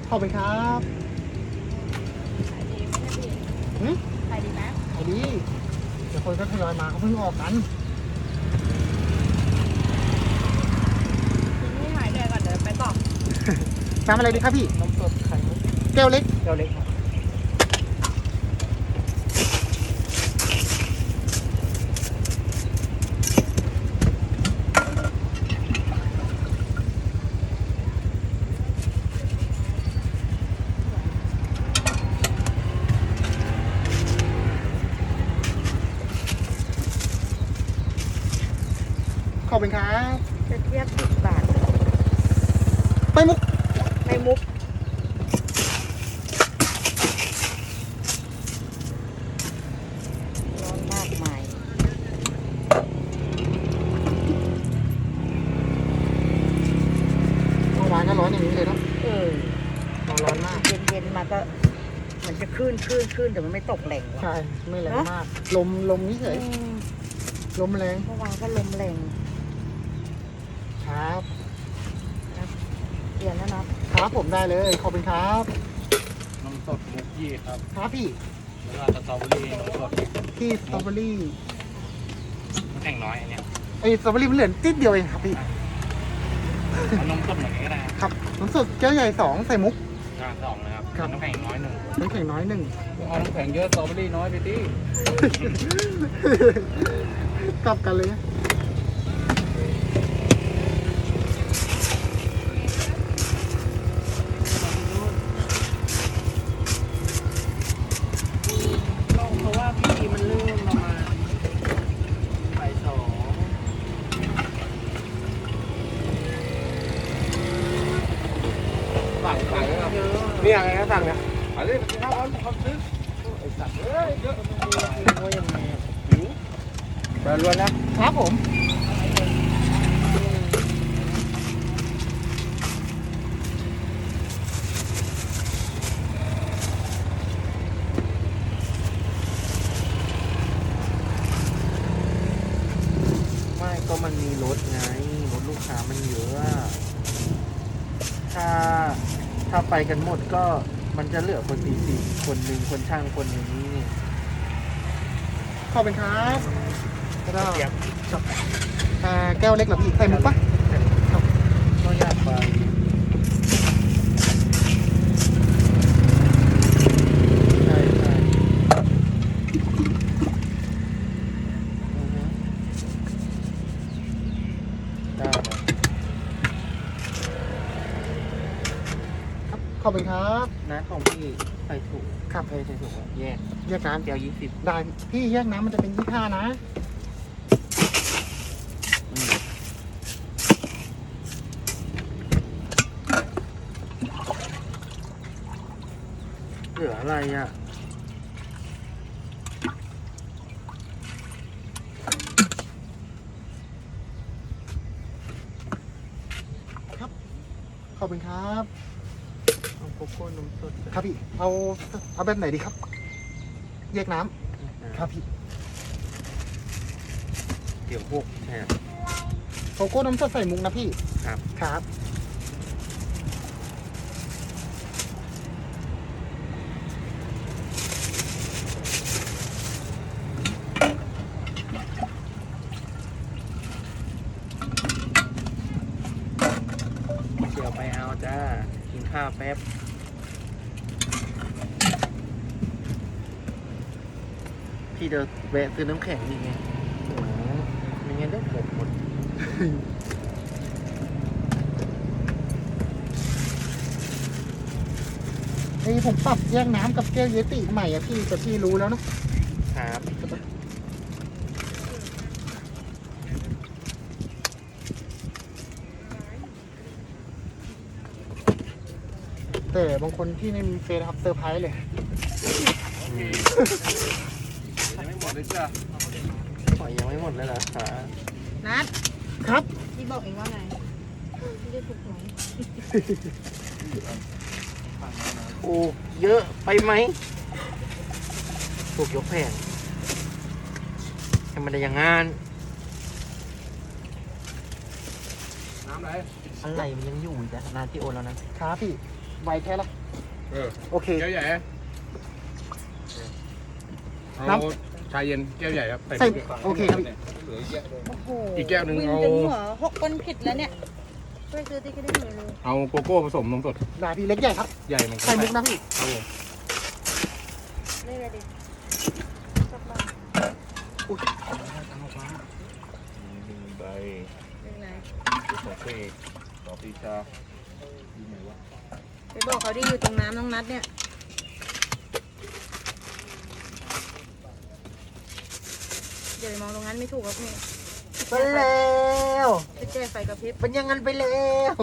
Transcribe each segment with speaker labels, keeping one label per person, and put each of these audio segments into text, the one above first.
Speaker 1: ขอบคุณครับ
Speaker 2: ขายดีไหมเนี่ยพี่
Speaker 1: หืม
Speaker 2: ขายดีไหม
Speaker 1: ขายดีเดี๋ยวคนก็ทยอยมาเขาเพิ่งออกกัน
Speaker 2: กินให้หายเหนื่อยก่อนเดี๋ยวไปต่อ
Speaker 1: น้ำอะไรดีครับพี่
Speaker 3: น้ำสดไข่มุก
Speaker 1: แก้วเล็ก
Speaker 3: แก้วเล็กครับ
Speaker 1: ขอบคุณครับ
Speaker 2: จะเทียบ10 บาท
Speaker 1: ไปมุก
Speaker 2: ในมุกร้อนมากมาย
Speaker 1: เมื่อวานก็ร้อนอย่างนี้เลยเนาะ ร้อนมาก
Speaker 2: เย็นๆมาก็เหมือนจะขึ้นแต่มันไม่ตกแหล่งว่ะ
Speaker 1: ใช่ ไม่แรง
Speaker 2: เนอะ
Speaker 1: มาก ลมนี่เฉย
Speaker 2: อืม
Speaker 1: ลมแรง
Speaker 2: เมื่อวานก็ลมแรง
Speaker 1: ครับ
Speaker 2: เปลี่ยนแล้วเนาะ
Speaker 1: ครับผมได้เลย ขอบคุณครับ
Speaker 3: น้ำสดมุกยี่ครับ
Speaker 1: ครับพี่
Speaker 3: แล้วก็สตรอเบอรี่น้ำสด
Speaker 1: ที่สตรอเบอรี่
Speaker 3: น้ำแข็งน้อยอันเนี้ย
Speaker 1: ไอ้สตรอเบอรี่มันเหลือติดเดียวเองครับพี่
Speaker 3: เอานมสดเหมือนกันก็ได้ครับ
Speaker 1: ครับน้ำสดแก้วใหญ่2ใส่มุก
Speaker 3: สองนะครับ
Speaker 1: ครับ
Speaker 3: น้ำแข็งน้อยหนึ่ง
Speaker 1: น้ำแข็งน้อย 1
Speaker 3: เอาน้ำแข็งเยอะสตรอเบอรี่น้อยไปดิ
Speaker 1: กลับกันเลย
Speaker 3: เพราะว่าพี่มันเริ่มประมาณบ่ายสองสั่งเลยครับนี่อะไรนะสั่งเนี่ยอะไรไปกินข้าวร้อนความซื้อไอ้สัตว์เอ้ยเยอะมันว่ายังไงอ่ะหิวเดินล้วนนะครับ
Speaker 1: ผม
Speaker 3: ไม่ก็มันมีรถไงรถลูกค้ามันเยอะอะถ้าไปกันหมดก็มันจะเหลือคนสี่คนหนึ่งคนช่างคนหนึ่งนี่
Speaker 1: ขอบคุณครับแล้วก็
Speaker 3: เสียบ
Speaker 1: แก้วเล็กเหรอพี่ใส่มุกปะ
Speaker 3: ก็อยากไปใช่ใช่อือฮึได้เลย
Speaker 1: ครับขอบคุณครับ
Speaker 3: นะของพี่ใส่ถุง
Speaker 1: ครับ
Speaker 3: ใส่ถุงอะแยก
Speaker 1: แยกน้
Speaker 3: แก้ว20
Speaker 1: ำได้พี่แยกน้ำมันจะเป็น25นะ
Speaker 3: อืม เหลืออะไรอ่ะ
Speaker 1: ขอบคุณครับ
Speaker 3: เอาโกโก้นมสด
Speaker 1: ครับพี่เอาแบบไหนดีครับ แยกน้ำครับพี่
Speaker 3: เดี๋ยวพวกแช่
Speaker 1: โกโก้น้ำสดใส่มุกนะพี่
Speaker 3: ครับ
Speaker 1: ครับ
Speaker 3: เดี๋ยวไปเอาจ้า กินข้าวแป๊บ พี่เดินแวะซื้อน้ำแข็งนี่ไงโอ้โหไม่งั้นเดี๋ยวหมด
Speaker 1: ไอ้ผมปรับแยกน้ำกับแก้วเยติใหม่อะพี่แต่พี่รู้แล้วเนอะ
Speaker 3: ครับ
Speaker 1: แต่บางคนที่ไม่มีเฟซครับเซอร์ไพรส์เลย
Speaker 3: ยังไม่หมดเลยจ้ะขอยังไม่หมดเลยเหรอคะ
Speaker 2: นัด
Speaker 1: ครับ
Speaker 2: พี่บอกเองว่าไงพี่ได้ถูกไหม
Speaker 3: โอ้เยอะไปไหมถูกยกแผงทำไมได้อย่างงานน้ำอะไรมันยังอยู่อีกแต่นานที่โอนแล้วนะครับ
Speaker 1: พี่ไวแค่ละ โอเค
Speaker 3: แก้วใหญ่
Speaker 1: น้
Speaker 3: เอาชาเย็นแก้วใหญ่ครับ
Speaker 1: ใส่โอเคครับพี่
Speaker 2: โอ้โห
Speaker 3: อีกแก้วหนึ่ง
Speaker 2: วิน
Speaker 3: เอา
Speaker 2: จนหัวหกก้นผิดแล้วเนี่ยช่วยซื้อที่ก็ได้เลย
Speaker 3: เอาโกโก้ผสมนมสด
Speaker 1: ได้พี่เล็กใหญ่ครับ
Speaker 3: ใหญ่เหมือนกั
Speaker 1: ใส่มุกนะพี่
Speaker 3: ครับผม
Speaker 2: เล่นอะไรดิสักบาท
Speaker 4: ใบ
Speaker 2: เล่นอะไร
Speaker 4: โอเคต่อปีชาดีไหมวะ
Speaker 2: ไปบอกเขาที่อยู่ตรงน้ำน้องนัดเนี่ยเดี๋ยวไปมองตรงนั้นไม่ถูกครับพี่
Speaker 1: ไปแล้ว
Speaker 2: ไปแจ้ไฟกระพริบ
Speaker 1: เป็นอยังงั้นไปแล้ว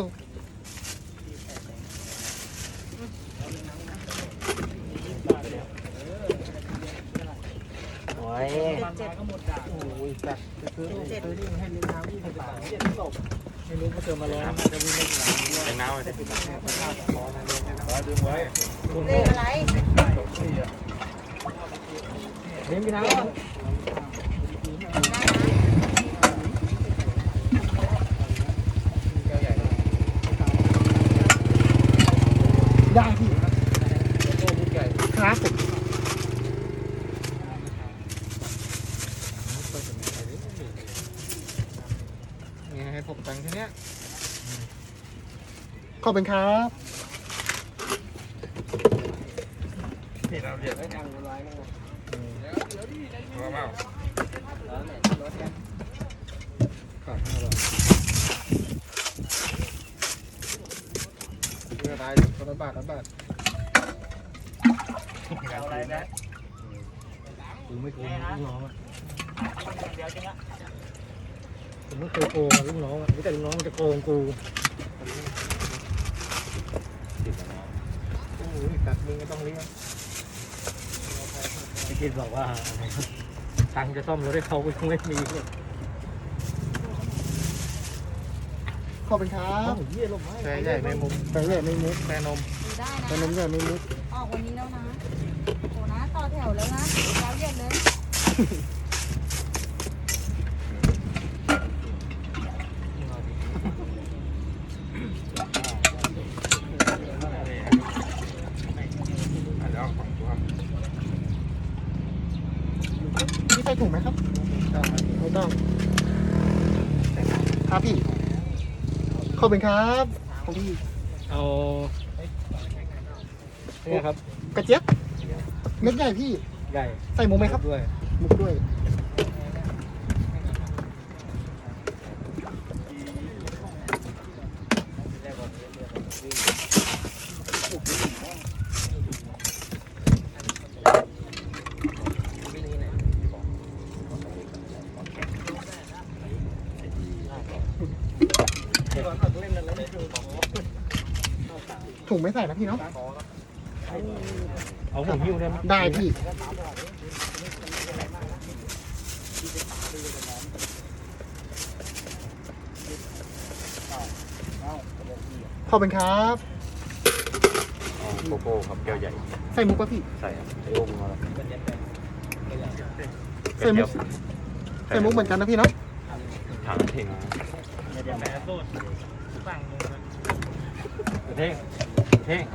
Speaker 1: โอ้ย
Speaker 2: เจ็ด
Speaker 1: โอ้ยจัดจะซื้อ
Speaker 2: เจ็ด
Speaker 1: นี่ให้เลี้ยงน้ำ20 บาทไม่รู้เขาเจอมาแล้วจะวิ่งเล่นน้ำด้วย
Speaker 4: เป็นน้ำเลย
Speaker 3: ดึงไว้
Speaker 2: เลขอะไร
Speaker 1: เลี้ยงพี่น้ำ
Speaker 3: แก้วใหญ่
Speaker 1: ได้พี่
Speaker 3: โกโก้ลูกใหญ่
Speaker 1: ครับผมนี่ให้ผมตังค์แค่เนี้ยขอบคุณครับ
Speaker 3: นี่เราเรียกได้ยังไลน์มาเปล่า
Speaker 1: ขาด5 บาทเมื่อไรคนละบาทละบาท
Speaker 3: เอาอะไรนะ
Speaker 1: กูไม่โกงลูกน้องอ่ะผมไม่เคยโกงลูกน้องอ่ะแต่ลูกน้องมันจะโกงกูโอ้ยกัดมึงก็ต้องเลี้ยง
Speaker 5: พี่คิดบอกว่าตังค์จะซ่อมรถให้เขาไม่มีเลย
Speaker 1: ขอบคุณครับ
Speaker 5: เยี่ยลมไม้
Speaker 3: แก้วใหญ่ไม่มุม
Speaker 1: แต่ใหญ่ไม่มุก
Speaker 3: แม่นม
Speaker 2: ดูได้นะ
Speaker 1: แต่นมใหญ่ไม่มุก
Speaker 2: ออกวันนี้แล้วนะโหนะต่อแถวแล้วนะเช้าเย็นเลย
Speaker 3: แล้วฝั่งตัว
Speaker 1: พี่ใส่ถุงไหมครับไม่ต้องครับพี่ขอบคุณครับของพี่
Speaker 5: เอาเนี่ยครับ
Speaker 1: กระเจี๊ยบเม็ดใหญ่พี่
Speaker 5: ใหญ่
Speaker 1: ใส่มุกไหมครับ
Speaker 5: ด้วย
Speaker 1: มุกด้วย ถุงไม่ใส่นะพี่เนาะ
Speaker 5: เอาผมหิ้วได้ไหม
Speaker 1: ได้พี่ขอบคุณครับ
Speaker 4: โกโก้ครับแก้วใหญ่
Speaker 1: ใส่มุกป่ะพี่
Speaker 4: ใส่ครับใส่โอ้มาแล้ว
Speaker 1: ใส่มุกใส่มุกเหมือนกันนะพี่เนาะ
Speaker 4: ทางเท่ง
Speaker 5: เดี๋ยวแม่โทษสั่งเลย
Speaker 4: เท่งเท่ง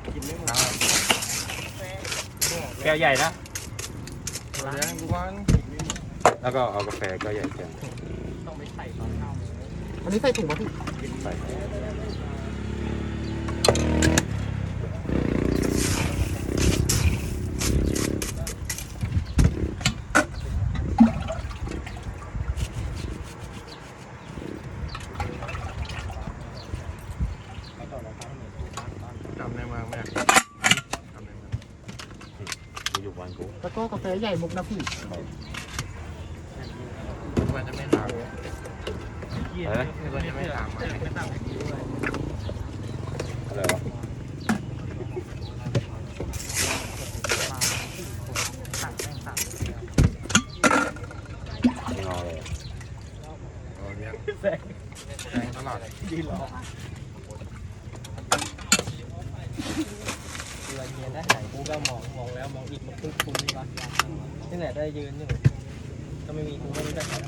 Speaker 4: แก้วใหญ่นะ
Speaker 3: เลี้ยงดูวัน
Speaker 4: แล้วก็เอากาแฟแก้วใหญ่แทน
Speaker 5: ต้องไปใส่ตอนเข้า
Speaker 1: อันนี้ใส่ถุงป่ะพี่
Speaker 4: ใส่
Speaker 3: จำในเมืองไหมจำในเมือง
Speaker 4: กูอยู่วันกู
Speaker 1: แล้วก็กาแฟใหญ่มุกนะพี่
Speaker 3: มันจะไม่ถาม
Speaker 4: อะไรนะ
Speaker 3: มันจะไม่ถามมา
Speaker 4: อะไรวะไม่งอเลย
Speaker 3: เลี้ยง
Speaker 5: แซง
Speaker 3: แทงตลอด
Speaker 5: ดีหรอเวลาเย็นได้หายกูก็มองแล้วมองอีกมันคุ้นๆนี่ปะนี่แหละได้ยืนอยู่ถ้าไม่มีกูไม่รู้จะทำ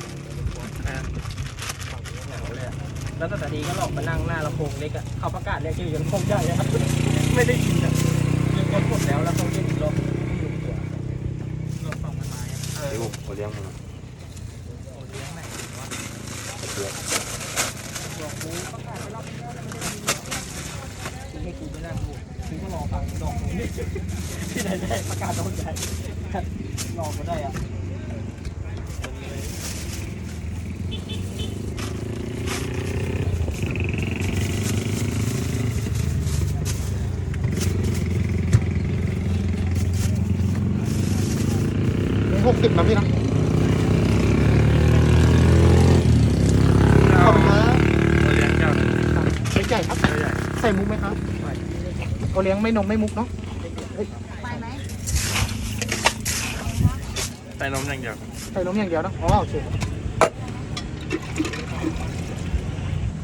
Speaker 5: เหงาเลยอะแล้วแต่ทีก็หลอกมานั่งหน้าลำโพงเล็กอะเขาประกาศเรียกชื่อจนคงใจเลยครับไม่ได้ยินอ่ะยังกดหมดแล้วแล้วเขาเรียกอีกรอบไม่รู้ตัวรอบสองมันมาอ่ะ
Speaker 3: ไอ้พวกโอเลี้ยงมึง
Speaker 5: โอ้เลี้ยงไหนวะ
Speaker 3: เลี้ยง
Speaker 5: บอกกูประกาศไปรอบนี้แล้วมันไม่ได้ยินกูให้กูไปนั่งดูกูก็รอฟังดอกนี่ที่ไหนได้ประกาศดอกใหญ่รอก็ได้อ่ะ
Speaker 1: นี่60นะพี่นะขอบคุณครับ
Speaker 4: โอเลี้ยงเจ้า
Speaker 1: เล็กใหญ่ครับ
Speaker 4: ใหญ่
Speaker 1: ใส่มุกไหมครับโอเลี้ยงไม่นมไม่มุกเนาะ
Speaker 2: ไปไหม
Speaker 4: ใส่นมอย่างเดียว
Speaker 1: ใส่นมอย่างเดียวเนอะอ๋อโอเค